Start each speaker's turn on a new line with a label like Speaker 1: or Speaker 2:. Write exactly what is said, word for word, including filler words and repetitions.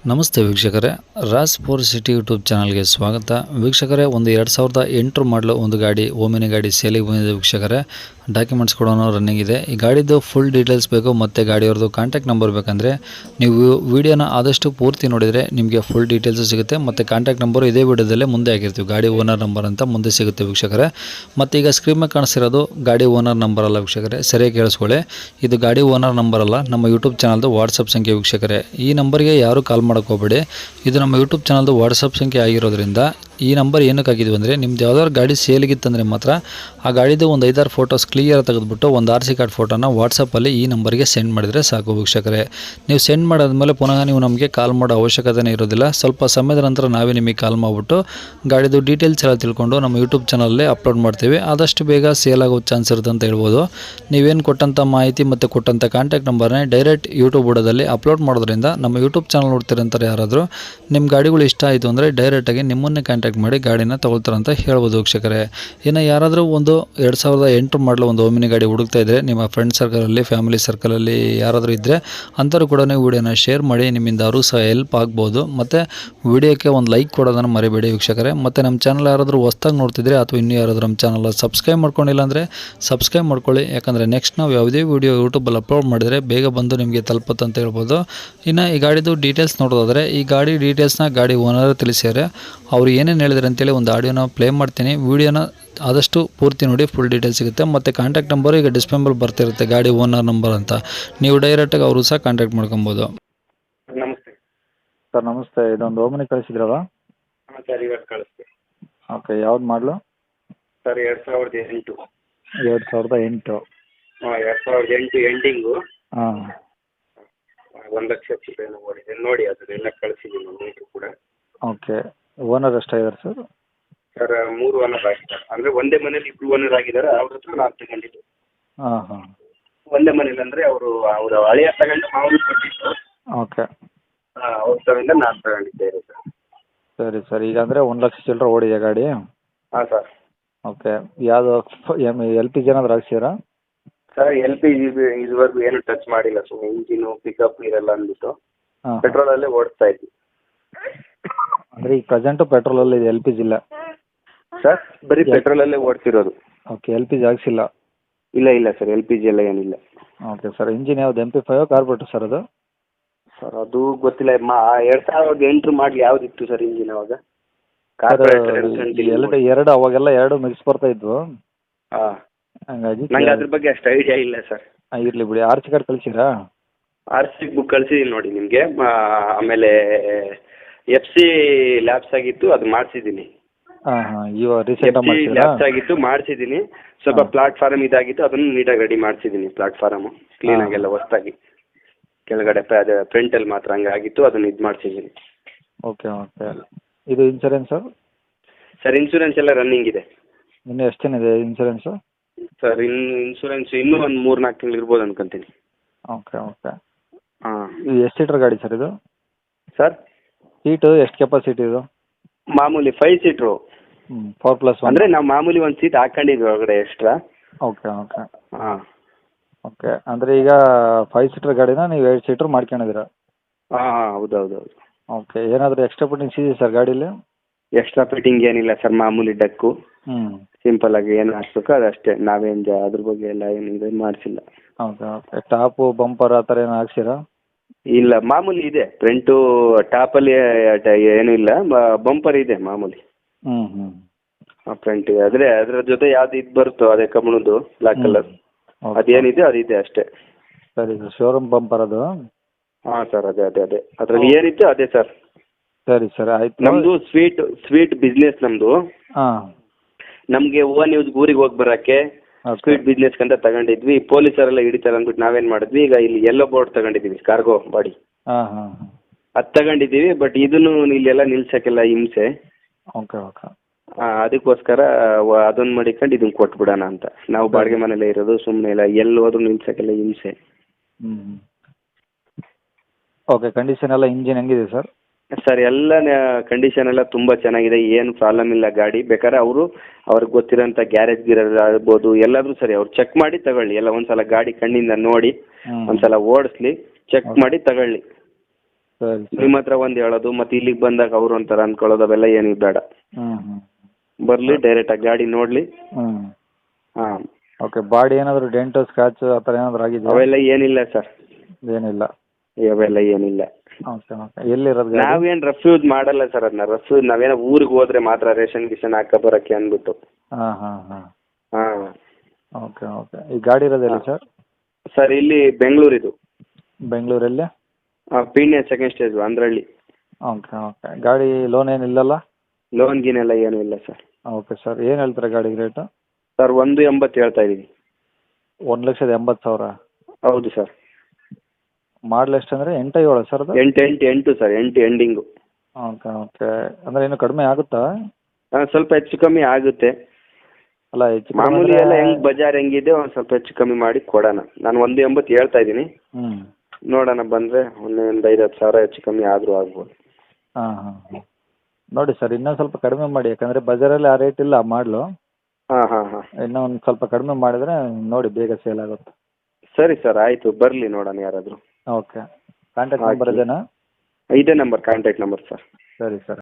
Speaker 1: ನಮಸ್ತೆ ವೀಕ್ಷಕರೇ, Raj four city YouTube ಚಾನಲ್ಗೆ ಸ್ವಾಗತ. ವೀಕ್ಷಕರೇ, ಒಂದು ಎರಡು ಸಾವಿರದ ಎಂಟರ ಮಾಡಲು ಒಂದು ಗಾಡಿ ಓಮಿನಿ ಗಾಡಿ ಸೇಲಿಗೆ ಬಂದಿದೆ. ವೀಕ್ಷಕರೇ, ಡಾಕ್ಯುಮೆಂಟ್ಸ್ ಕೂಡ ರನ್ನಿಂಗ್ ಇದೆ. ಈ ಗಾಡಿದು ಫುಲ್ ಡೀಟೇಲ್ಸ್ ಬೇಕು ಮತ್ತು ಗಾಡಿಯವ್ರದ್ದು ಕಾಂಟ್ಯಾಕ್ಟ್ ನಂಬರ್ ಬೇಕಂದರೆ ನೀವು ವಿಡಿಯೋನ ಆದಷ್ಟು ಪೂರ್ತಿ ನೋಡಿದರೆ ನಿಮಗೆ ಫುಲ್ ಡೀಟೇಲ್ಸ್ ಸಿಗುತ್ತೆ. ಮತ್ತು ಕಾಂಟ್ಯಾಕ್ಟ್ ನಂಬರು ಇದೇ ವಿಡಿಯೋದಲ್ಲೇ ಮುಂದೆ ಆಗಿರ್ತೀವಿ, ಗಾಡಿ ಓನರ್ ನಂಬರ್ ಅಂತ ಮುಂದೆ ಸಿಗುತ್ತೆ ವೀಕ್ಷಕರೇ. ಮತ್ತು ಈಗ ಸ್ಕ್ರೀನ್ ಮೇಲೆ ಕಾಣಿಸ್ತಿರೋದು ಗಾಡಿ ಓನರ್ ನಂಬರ್ ಅಲ್ಲ ವೀಕ್ಷಕರೇ, ಸರಿಯಾಗಿ ಕೇಳಿಸ್ಕೊಳ್ಳಿ. ಇದು ಗಾಡಿ ಓನರ್ ನಂಬರ್ ಅಲ್ಲ, ನಮ್ಮ ಯೂಟ್ಯೂಬ್ ಚಾನಲ್ದು ವಾಟ್ಸಪ್ ಸಂಖ್ಯೆ ವೀಕ್ಷಕರೇ. ಈ ನಂಬರ್ಗೆ ಯಾರು ಕಾಲ್ ಮಾಡೋಕೆ ಹೋಗಬೇಡಿ. ಇದು ನಮ್ಮ ಯೂಟ್ಯೂಬ್ ಚಾನಲ್ದು ವಾಟ್ಸಪ್ ಸಂಖ್ಯೆ ಆಗಿರೋದ್ರಿಂದ ಈ ನಂಬರ್ ಏನಕ್ಕೆ ಆಗಿದ್ವಿ ಅಂದರೆ, ನಿಮ್ದು ಯಾವ್ದಾದ್ರು ಗಾಡಿ ಸೇಲಿಗಿತ್ತಂದರೆ ಮಾತ್ರ ಆ ಗಾಡಿದು ಒಂದು ಐದಾರು ಫೋಟೋಸ್ ಕ್ಲಿಯರ್ ತೆಗೆದುಬಿಟ್ಟು ಒಂದು ಆರ್ ಸಿ ಕಾರ್ಡ್ ಫೋಟೋನ ವಾಟ್ಸಪ್ಪಲ್ಲಿ ಈ ನಂಬರ್ಗೆ ಸೆಂಡ್ ಮಾಡಿದರೆ ಸಾಕು ವೀಕ್ಷಕರೇ. ನೀವು ಸೆಂಡ್ ಮಾಡಾದ್ಮೇಲೆ ಪುನಃ ನೀವು ನಮಗೆ ಕಾಲ್ ಮಾಡೋ ಅವಶ್ಯಕತೆನೇ ಇರೋದಿಲ್ಲ. ಸ್ವಲ್ಪ ಸಮಯದ ನಂತರ ನಾವೇ ನಿಮಗೆ ಕಾಲ್ ಮಾಡಿಬಿಟ್ಟು ಗಾಡಿದು ಡೀಟೇಲ್ಸ್ ಎಲ್ಲ ತಿಳ್ಕೊಂಡು ನಮ್ಮ ಯೂಟ್ಯೂಬ್ ಚಾನಲಲ್ಲಿ ಅಪ್ಲೋಡ್ ಮಾಡ್ತೀವಿ. ಆದಷ್ಟು ಬೇಗ ಸೇಲ್ ಆಗೋ ಚಾನ್ಸ್ ಇರುತ್ತೆ ಅಂತ ಹೇಳ್ಬೋದು. ನೀವೇನು ಕೊಟ್ಟಂಥ ಮಾಹಿತಿ ಮತ್ತು ಕೊಟ್ಟಂಥ ಕಾಂಟ್ಯಾಕ್ಟ್ ನಂಬರ್ನೇ ಡೈರೆಕ್ಟ್ ಯೂಟ್ಯೂಬ್ ಬುಡದಲ್ಲಿ ಅಪ್ಲೋಡ್ ಮಾಡೋದ್ರಿಂದ ನಮ್ಮ ಯೂಟ್ಯೂಬ್ ಚಾನಲ್ ನೋಡ್ತಿರಂತಾರೆ ಯಾರಾದರೂ ನಿಮ್ಮ ಗಾಡಿಗಳು ಇಷ್ಟ ಆಯಿತು ಅಂದರೆ ಡೈರೆಕ್ಟಾಗಿ ನಿಮ್ಮನ್ನೇ ಕಾಂಟ್ಯಾಕ್ಟ್ ಮಾಡಿ ಗಾಡಿನ ತಗೊಳ್ತಾರೆ ಅಂತ ಹೇಳ್ಬೋದು ವೀಕ್ಷಕರೇ. ಇನ್ನು ಯಾರಾದರೂ ಒಂದು ಎರಡು ಸಾವಿರದ ಎಂಟು ಮಾಡಲು ಒಂದು ಓಮಿನಿ ಗಾಡಿ ಹುಡುಕ್ತಾ ಇದ್ದರೆ, ನಿಮ್ಮ ಫ್ರೆಂಡ್ ಸರ್ಕಲಲ್ಲಿ ಫ್ಯಾಮಿಲಿ ಸರ್ಕಲಲ್ಲಿ ಯಾರಾದರೂ ಇದ್ದರೆ ಅಂಥವ್ರು ಕೂಡ ನೀವು ವಿಡಿಯೋನ ಶೇರ್ ಮಾಡಿ, ನಿಮ್ಮಿಂದ ಅವರು ಸಹ ಹೆಲ್ಪ್ ಆಗ್ಬೋದು. ಮತ್ತು ವಿಡಿಯೋಕ್ಕೆ ಒಂದು ಲೈಕ್ ಕೊಡೋದನ್ನು ಮರಿಬೇಡಿ ವೀಕ್ಷಕರೇ. ಮತ್ತು ನಮ್ಮ ಚಾನಲ್ ಯಾರಾದರೂ ಹೊಸ್ದಾಗಿ ನೋಡ್ತಿದ್ರೆ ಅಥವಾ ಇನ್ನೂ ಯಾರಾದರೂ ನಮ್ಮ ಚಾನಲ್ ಸಬ್ಸ್ಕ್ರೈಬ್ ಮಾಡ್ಕೊಂಡಿಲ್ಲ ಅಂದರೆ ಸಬ್ಸ್ಕ್ರೈಬ್ ಮಾಡ್ಕೊಳ್ಳಿ. ಯಾಕಂದರೆ ನೆಕ್ಸ್ಟ್ ನಾವು ಯಾವುದೇ ವೀಡಿಯೋ ಯೂಟ್ಯೂಬಲ್ಲಿ ಅಪ್ಲೋಡ್ ಮಾಡಿದರೆ ಬೇಗ ಬಂದು ನಿಮಗೆ ತಲುಪುತ್ತೆ ಅಂತ ಹೇಳ್ಬೋದು. ಇನ್ನು ಈ ಗಾಡಿದು ಡೀಟೇಲ್ಸ್ ನೋಡೋದಾದರೆ, ಈ ಗಾಡಿ ಡೀಟೇಲ್ಸ್ನ ಗಾಡಿ ಓನರ್ ತಿಳಿಸ್ಯಾರೆ. ಅವರು ಏನೇನು ಹೇಳಿದ್ರು ಅಂತೇಳಿ ಒಂದು ಆಡಿಯೋನ ಪ್ಲೇ ಮಾಡ್ತೀನಿ. ವೀಡಿಯೋನ ಆದಷ್ಟು ಪೂರ್ತಿ ನೋಡಿ, ಫುಲ್ ಡೀಟೇಲ್ಸ್ ಸಿಗುತ್ತೆ. ಮತ್ತು ಕಾಂಟ್ಯಾಕ್ಟ್ ನಂಬರು ಈಗ ಡಿಸ್ಪ್ಲೇ ಮೇಲೆ ಬರ್ತಿರುತ್ತೆ, ಗಾಡಿ ಓನರ್ ನಂಬರ್ ಅಂತ. ನೀವು ಡೈರೆಕ್ಟಾಗಿ ಅವರು ಸಹ ಕಾಂಟ್ಯಾಕ್ಟ್ ಮಾಡ್ಕೊಬೋದು.
Speaker 2: ನಮಸ್ತೆ
Speaker 3: ಸರ್. ನಮಸ್ತೆ. ಇದೊಂದು ಓಮಿನಿ ಕಳಿಸಿದ್ರಲ್ಲ?
Speaker 2: ಹಾಂ ಸರ್, ಇವತ್ತು ಕಳಿಸ್ತೀವಿ.
Speaker 3: ಓಕೆ. ಯಾವ್ದು ಮಾಡಲು?
Speaker 2: ಸರ್ ಎರಡು ಸಾವಿರದ ಎಂಟು.
Speaker 3: ಎರಡು ಸಾವಿರದ ಎಂಟು
Speaker 2: ಹಾಂ, ಎರಡು ಸಾವಿರದ ಎಂಟು ಎಂಡಿಂಗು.
Speaker 3: ಹಾಂ.
Speaker 2: ಒಂದು ಲಕ್ಷ ರೂಪಾಯಿ ಓಡಿದೆ ನೋಡಿ, ಅದನ್ನೆಲ್ಲ ಕಳಿಸಿದ್ದೀನಿ ನೀಟು ಕೂಡ.
Speaker 3: ಓಕೆ. ಓನರ್ ಎಷ್ಟಾಗಿದ್ದಾರೆ ಸರ್?
Speaker 2: ಸರ್ ಮೂರು ಓನರ್ ಆಗಿದ್ದಾರೆ. ಅಂದರೆ ಒಂದೇ ಮನೇಲಿ ಇಬ್ಬರು ಓನರ್ ಆಗಿದ್ದಾರೆ. ಅವ್ರ ಹತ್ರ ನಾನು ತಗೊಂಡಿದ್ದು.
Speaker 3: ಹಾಂ ಹಾಂ.
Speaker 2: ಒಂದೇ ಮನೇಲಿ ಅಂದರೆ ಅವರು ಅವರು ಹಳೆಯ ತಗೊಂಡು ಮಾಮೂಲಿ ಕೊಟ್ಟಿದ್ದು.
Speaker 3: ಓಕೆ.
Speaker 2: ಹಾಂ, ಅವ್ರ ತಗೊಂಡು ನಾನು ತಗೊಂಡಿದ್ದೇನೆ ಸರ್.
Speaker 3: ಸರಿ ಸರ್. ಈಗ ಅಂದರೆ ಒಂದು ಲಕ್ಷ ಚಿಲ್ಲರೆ ಓಡಿದೆ ಗಾಡಿ?
Speaker 2: ಹಾಂ ಸರ್.
Speaker 3: ಓಕೆ. ಯಾವುದು ಎಮ್ ಎಲ್ ಪಿ ಜಿ ಏನಾದ್ರು ಹಾಕ್ಸಿರಾ?
Speaker 2: ಸರ್ ಎಲ್ ಪಿ ಜಿ ಇದುವರೆಗೂ ಏನು ಟಚ್ ಮಾಡಿಲ್ಲ. ಸುಮ್ಮನೆ ಇಂಜಿನು ಪಿಕಪ್ ಇರಲ್ಲ ಅಂದ್ಬಿಟ್ಟು
Speaker 3: ಹಾಂ.
Speaker 2: ಪೆಟ್ರೋಲಲ್ಲೇ ಓಡಿಸ್ತಾ ಇದ್ವಿ.
Speaker 3: ಅಂದರೆ ಈಗ ಪ್ರೆಸೆಂಟು ಪೆಟ್ರೋಲಲ್ಲಿ ಇದೆ, ಎಲ್ ಪಿ ಜಿ ಇಲ್ಲ?
Speaker 2: ಸರ್ ಬರೀ ಪೆಟ್ರೋಲಲ್ಲೇ ಓಡ್ತಿರೋದು.
Speaker 3: ಓಕೆ. ಎಲ್ ಪಿ ಜಿ ಹಾಕ್ಸಿಲ್ಲ?
Speaker 2: ಇಲ್ಲ ಇಲ್ಲ ಸರ್, ಎಲ್ ಪಿ ಜಿ ಎಲ್ಲ ಏನಿಲ್ಲ.
Speaker 3: Okay sir. ಇಂಜಿನ್ ಯಾವ್ದು, M P five carburettor sir ಅದು?
Speaker 2: ಸರ್ ಅದು ಗೊತ್ತಿಲ್ಲ. ಮಾ ಎರಡು ಸಾವಿರದ ಎಂಟರ ಮಾಡಲಿ ಯಾವುದಿತ್ತು ಸರ್ ಇಂಜಿನ್ ಅವಾಗ?
Speaker 3: ಸರ್
Speaker 2: ಕಾರ್ಪೊರೇಟರ್
Speaker 3: ಎರಡು ಎರಡು ಅವಾಗೆಲ್ಲ ಎರಡು ಮಿಕ್ಸ್ ಬರ್ತಾ ಇದ್ವು.
Speaker 2: ಹಾಂ,
Speaker 3: ಹಂಗಾಗಿ
Speaker 2: ನಂಗೆ ಅದ್ರ ಬಗ್ಗೆ ಅಷ್ಟು ಐಡಿಯಾ ಇಲ್ಲ ಸರ್.
Speaker 3: ಇರಲಿ ಬಿಡಿ. ಆರ್ ಸಿ ಕಾರ್ಡ್ ಕಳಿಸಿರಾ?
Speaker 2: ಆರ್ ಸಿ ಬುಕ್ ಕಳಿಸಿದ್ದೀನಿ ನೋಡಿ ನಿಮಗೆ. ಆಮೇಲೆ ಎಫ್ ಸಿ ಲ್ಯಾಬ್ಸ್ ಆಗಿತ್ತು, ಅದು ಮಾಡಿಸಿದ್ದೀನಿ.
Speaker 3: ಹಾಂ ಹಾಂ. ಇವಾಗ ರೀಸೆಂಟಾಗಿ
Speaker 2: ಎಫ್ ಸಿ
Speaker 3: ಮಾಡಿಸಿರಾ?
Speaker 2: ಲ್ಯಾಬ್ಸ್ ಆಗಿತ್ತು, ಮಾಡಿಸಿದ್ದೀನಿ. ಸ್ವಲ್ಪ ಪ್ಲಾಟ್ಫಾರಮ್ ಇದಾಗಿತ್ತು, ಅದನ್ನು ನೀಟಾಗಿ ರೆಡಿ ಮಾಡಿಸಿದ್ದೀನಿ. ಪ್ಲಾಟ್ಫಾರಮು ಕ್ಲೀನಾಗೆಲ್ಲ ಹೊಸ್ದಾಗಿ, ಕೆಳಗಡೆ ಅದು ಫ್ರಂಟಲ್ಲಿ ಮಾತ್ರ ಹಂಗೆ ಆಗಿತ್ತು, ಅದನ್ನು ಇದು ಮಾಡಿಸಿದ್ದೀನಿ.
Speaker 3: Okay okay. ಇದು ಇನ್ಸೂರೆನ್ಸು?
Speaker 2: ಸರ್ ಇನ್ಶೂರೆನ್ಸ್ ಎಲ್ಲ ರನ್ನಿಂಗ್ ಇದೆ.
Speaker 3: ಇನ್ನೂ ಎಷ್ಟು ದಿನ ಇದೆ ಇನ್ಸೂರೆನ್ಸು?
Speaker 2: ಸರ್ ಇನ್ನು ಇನ್ಶೂರೆನ್ಸ್ ಇನ್ನೂ ಒಂದು ಮೂರು ನಾಲ್ಕು ತಿಂಗಳು ಇರ್ಬೋದು ಅನ್ಕೊಂತೀನಿ.
Speaker 3: Okay okay.
Speaker 2: ಹಾಂ.
Speaker 3: ಇದು ಎಷ್ಟು ಸೀಟ್ರ್ ಗಾಡಿ ಸರ್ ಇದು?
Speaker 2: ಸರ್
Speaker 3: ಸೀಟು ಎಷ್ಟು ಕೆಪಾಸಿಟಿ ಇದು?
Speaker 2: ಮಾಮೂಲಿ ಫೈವ್ ಸೀಟ್ರು.
Speaker 3: ಹ್ಞೂ. ಫೋರ್ ಪ್ಲಸ್ ಒನ್
Speaker 2: ಅಂದರೆ ನಾವು ಮಾಮೂಲಿ ಒಂದು ಸೀಟ್ ಹಾಕೊಂಡಿದ್ವಿ ಒಳಗಡೆ ಎಕ್ಸ್ಟ್ರಾ.
Speaker 3: Okay okay.
Speaker 2: ಹಾಂ.
Speaker 3: ಓಕೆ. ಅಂದರೆ ಈಗ ಫೈವ್ ಸೀಟ್ರ್ ಗಾಡಿನ ನೀವು ಏಳು ಸೀಟ್ರ್ ಮಾಡ್ಕೊಂಡಿದ್ದೀರಾ?
Speaker 2: ಹಾಂ ಹಾಂ, ಹೌದು ಹೌದು ಹೌದು.
Speaker 3: ಓಕೆ. ಏನಾದರೂ ಎಕ್ಸ್ಟ್ರಾ ಫಿಟ್ಟಿಂಗ್ಸ್ ಇದೆಯಾ ಸರ್ ಗಾಡೀಲಿ?
Speaker 2: ಎಕ್ಸ್ಟ್ರಾ ಫಿಟ್ಟಿಂಗ್ ಏನಿಲ್ಲ ಸರ್, ಮಾಮೂಲಿ ಡಕ್ಕು
Speaker 3: ಹ್ಞೂ.
Speaker 2: ಸಿಂಪಲ್ ಆಗಿ ಏನು ಹಾಕ್ಬೇಕು ಅದಷ್ಟೇ. ನಾವೇನು ಜಾ ಅದ್ರ ಬಗ್ಗೆ ಎಲ್ಲ ಏನು ಇದು ಮಾಡಿಸಿಲ್ಲ.
Speaker 3: Okay okay. ಟಾಪು ಬಂಪರ್ ಆ ಥರ ಏನು ಹಾಕ್ಸಿರಾ?
Speaker 2: ಇಲ್ಲ, ಮಾಮೂಲಿ ಇದೆ. ಫ್ರಂಟು ಟಾಪಲ್ಲಿ ಏನೂ ಇಲ್ಲ, ಬಂಪರ್ ಇದೆ ಮಾಮೂಲಿ.
Speaker 3: ಹ್ಞೂ ಹ್ಞೂ.
Speaker 2: ಹಾಂ, ಫ್ರಂಟ್ ಆದರೆ ಅದರ ಜೊತೆ ಯಾವ್ದು ಇದು ಬರುತ್ತೋ ಅದೇ ಕಬ್ಬಣದ್ದು ಬ್ಲ್ಯಾಕ್ ಕಲರ್, ಅದೇನಿದೆ ಅದಿದೆ ಅಷ್ಟೇ.
Speaker 3: ಸರಿ ಸರ್. ಶೋರೂಮ್ ಬಂಪರ್ ಅದು?
Speaker 2: ಹಾಂ ಸರ್, ಅದೇ ಅದೇ ಅದೇ ಅದರಲ್ಲಿ ಏನಿತ್ತು ಅದೇ ಸರ್.
Speaker 3: ಸರಿ ಸರ್, ಆಯಿತು.
Speaker 2: ನಮ್ಮದು ಸ್ವೀಟ್ ಸ್ವೀಟ್ ಬಿಸ್ನೆಸ್ ನಮ್ಮದು.
Speaker 3: ಹಾಂ.
Speaker 2: ನಮಗೆ ಓನ್ ಯೂಸ್ ಊರಿಗೆ ಹೋಗಿ ಬರೋಕ್ಕೆ ಸ್ವೀಟ್ ಬಿಸ್ನೆಸ್ ಅಂತ ತಗೊಂಡಿದ್ವಿ. ಪೊಲೀಸರೆಲ್ಲ ಹಿಡಿತಾರೆ ಅಂದ್ಬಿಟ್ಟು ನಾವೇನು ಮಾಡಿದ್ವಿ, ಈಗ ಇಲ್ಲಿ ಎಲ್ಲೋ ಬೋರ್ಡ್ ತಗೊಂಡಿದ್ದೀವಿ, ಕಾರ್ಗೋ ಬಾಡಿ.
Speaker 3: ಹಾಂ ಹಾಂ ಹಾಂ.
Speaker 2: ಅದು ತಗೊಂಡಿದ್ದೀವಿ. ಬಟ್ ಇದನ್ನು ಇಲ್ಲೆಲ್ಲ ನಿಲ್ಸೋಕ್ಕೆಲ್ಲ ಹಿಂಸೆ.
Speaker 3: Okay okay.
Speaker 2: ಹಾಂ, ಅದಕ್ಕೋಸ್ಕರ ಅದನ್ನು ಮಾಡಿಕೊಂಡು ಇದನ್ನು ಕೊಟ್ಬಿಡೋಣ ಅಂತ. ನಾವು ಬಾಡಿಗೆ ಮನೇಲೇ ಇರೋದು, ಸುಮ್ಮನೆ ಇಲ್ಲ ಎಲ್ಲಿ ಹೋದ್ರೂ ನಿಲ್ಸೋಕ್ಕೆಲ್ಲ ಹಿಂಸೆ.
Speaker 3: ಹ್ಞೂ. ಓಕೆ. ಕಂಡೀಷನ್ ಎಲ್ಲ ಇಂಜಿನ್ ಹೆಂಗಿದೆ ಸರ್?
Speaker 2: ಸರ್ ಎಲ್ಲ ಕಂಡೀಷನ್ ಎಲ್ಲ ತುಂಬ ಚೆನ್ನಾಗಿದೆ, ಏನು ಪ್ರಾಬ್ಲಮ್ ಇಲ್ಲ ಗಾಡಿ. ಬೇಕಾದ್ರೆ ಅವರು ಅವ್ರಿಗೆ ಗೊತ್ತಿರೋಂಥ ಗ್ಯಾರೇಜ್ ಗಿರೇಜ್ ಆಗ್ಬೋದು, ಎಲ್ಲಾದರೂ ಸರಿ ಅವ್ರು ಚೆಕ್ ಮಾಡಿ ತಗೊಳ್ಳಿ. ಎಲ್ಲ ಒಂದು ಸಲ ಗಾಡಿ ಕಣ್ಣಿಂದ ನೋಡಿ ಒಂದು ಸಲ ಓಡಿಸ್ಲಿ, ಚೆಕ್ ಮಾಡಿ ತಗೊಳ್ಳಿ.
Speaker 3: ಸರಿ ಸರಿ
Speaker 2: ನಿಮ್ಮ ಹತ್ರ ಒಂದು ಹೇಳೋದು ಮತ್ತು ಇಲ್ಲಿಗೆ ಬಂದಾಗ ಅವ್ರು ಒಂಥರ ಅಂದ್ಕೊಳ್ಳೋದು ಅವೆಲ್ಲ ಏನಿದೆ ಬೇಡ.
Speaker 3: ಹ್ಞೂ ಹ್ಞೂ
Speaker 2: ಬರಲಿ ಡೈರೆಕ್ಟಾಗಿ ಗಾಡಿ ನೋಡಲಿ.
Speaker 3: ಹ್ಞೂ
Speaker 2: ಹಾಂ,
Speaker 3: ಓಕೆ. ಬಾಡಿ ಏನಾದರೂ ಡೆಂಟು ಸ್ಕ್ರಾಚು ಆ ಥರ ಏನಾದರೂ ಆಗಿದೆಯಾ?
Speaker 2: ಅವೆಲ್ಲ ಏನಿಲ್ಲ ಸರ್,
Speaker 3: ಏನಿಲ್ಲ.
Speaker 2: ಅವೆಲ್ಲ ಏನಿಲ್ಲ.
Speaker 3: Okay okay. ಎಲ್ಲಿರೋದು ಗಾಡಿ?
Speaker 2: ನಾವೇನು ರಫ್ ಯೂಸ್ ಮಾಡಲ್ಲ ಸರ್, ಅದನ್ನ ರಫ್ ಯೂಸ್ ನಾವೇನೋ ಊರಿಗೆ ಹೋದ್ರೆ ಮಾತ್ರ ರೇಷನ್ ಗಿಷನ್ ಹಾಕ ಬರೋಕ್ಕೆ ಅಂದ್ಬಿಟ್ಟು.
Speaker 3: ಹಾಂ ಹಾಂ ಹಾಂ.
Speaker 2: ಹಾಂ
Speaker 3: ಓಕೆ ಓಕೆ. ಈ ಗಾಡಿ ಇರೋದೆಲ್ಲಿ ಸರ್?
Speaker 2: ಸರ್ ಇಲ್ಲಿ ಬೆಂಗಳೂರಿದು.
Speaker 3: ಬೆಂಗಳೂರಲ್ಲಿ?
Speaker 2: ಹಾಂ, ಪೀಣ್ಯ ಸೆಕೆಂಡ್ ಸ್ಟೇಜ್ ಅಂದ್ರಳ್ಳಿ.
Speaker 3: Okay okay. ಗಾಡಿ ಲೋನ್ ಏನಿಲ್ಲಲ್ಲ?
Speaker 2: ಲೋನ್ ಗೀನೆಲ್ಲ ಏನೂ ಇಲ್ಲ ಸರ್.
Speaker 3: Okay sir. ಏನು ಹೇಳ್ತಾರೆ ಗಾಡಿಗೆ ರೇಟು?
Speaker 2: ಸರ್ ಒಂದು ಎಂಬತ್ತು ಹೇಳ್ತಾ ಇದ್ದೀವಿ.
Speaker 3: ಒಂದು ಲಕ್ಷದ ಎಂಬತ್ತು ಸಾವಿರ?
Speaker 2: ಹೌದು ಸರ್.
Speaker 3: ಮಾಡಲ್ ಎಷ್ಟು ಅಂದರೆ ಎಂಟು ಏಳು ಸರ್ ಅದು?
Speaker 2: ಎಂಟು ಎಂಟು ಎಂಟು ಸರ್, ಎಂಟು ಎಂಡಿಂಗು.
Speaker 3: Okay okay. ಅಂದರೆ ಇನ್ನೂ ಕಡಿಮೆ ಆಗುತ್ತಾ?
Speaker 2: ಹಾಂ, ಸ್ವಲ್ಪ ಹೆಚ್ಚು ಕಮ್ಮಿ ಆಗುತ್ತೆ.
Speaker 3: ಅಲ್ಲ ಹೆಚ್ಚು
Speaker 2: ಮಾಮೂಲಿ ಎಲ್ಲ ಹೆಂಗೆ ಬಜಾರ್ ಹೆಂಗಿದೆ ಒಂದು ಸ್ವಲ್ಪ ಹೆಚ್ಚು ಕಮ್ಮಿ ಮಾಡಿ ಕೊಡೋಣ. ನಾನು ಒಂದು ಎಂಬತ್ತು ಹೇಳ್ತಾ ಇದ್ದೀನಿ,
Speaker 3: ಹ್ಞೂ
Speaker 2: ನೋಡೋಣ ಬಂದರೆ ಒಂದು ಐದು ಹತ್ತು ಸಾವಿರ ಹೆಚ್ಚು ಕಮ್ಮಿ ಆದರೂ ಆಗ್ಬೋದು.
Speaker 3: ಹಾಂ ಹಾಂ ಹಾಂ. ನೋಡಿ ಸರ್, ಇನ್ನೊಂದು ಸ್ವಲ್ಪ ಕಡಿಮೆ ಮಾಡಿ, ಯಾಕಂದರೆ ಬಜಾರಲ್ಲಿ ಆ ರೇಟ್ ಇಲ್ಲ ಮಾಡಲು.
Speaker 2: ಹಾಂ ಹಾಂ ಹಾಂ.
Speaker 3: ಇನ್ನೂ ಒಂದು ಸ್ವಲ್ಪ ಕಡಿಮೆ ಮಾಡಿದರೆ ನೋಡಿ ಬೇಗ ಸೇಲ್ ಆಗುತ್ತೆ.
Speaker 2: ಸರಿ ಸರ್, ಆಯಿತು, ಬರಲಿ ನೋಡೋಣ ಯಾರಾದರೂ.
Speaker 3: ಓಕೆ. ಕಾಂಟ್ಯಾಕ್ಟ್ ನಂಬರ್ ಇದೇನಾ?
Speaker 2: ಇದೇ ನಂಬರ್ ಕಾಂಟ್ಯಾಕ್ಟ್ ನಂಬರ್ ಸರ್.
Speaker 3: ಸರಿ ಸರ್.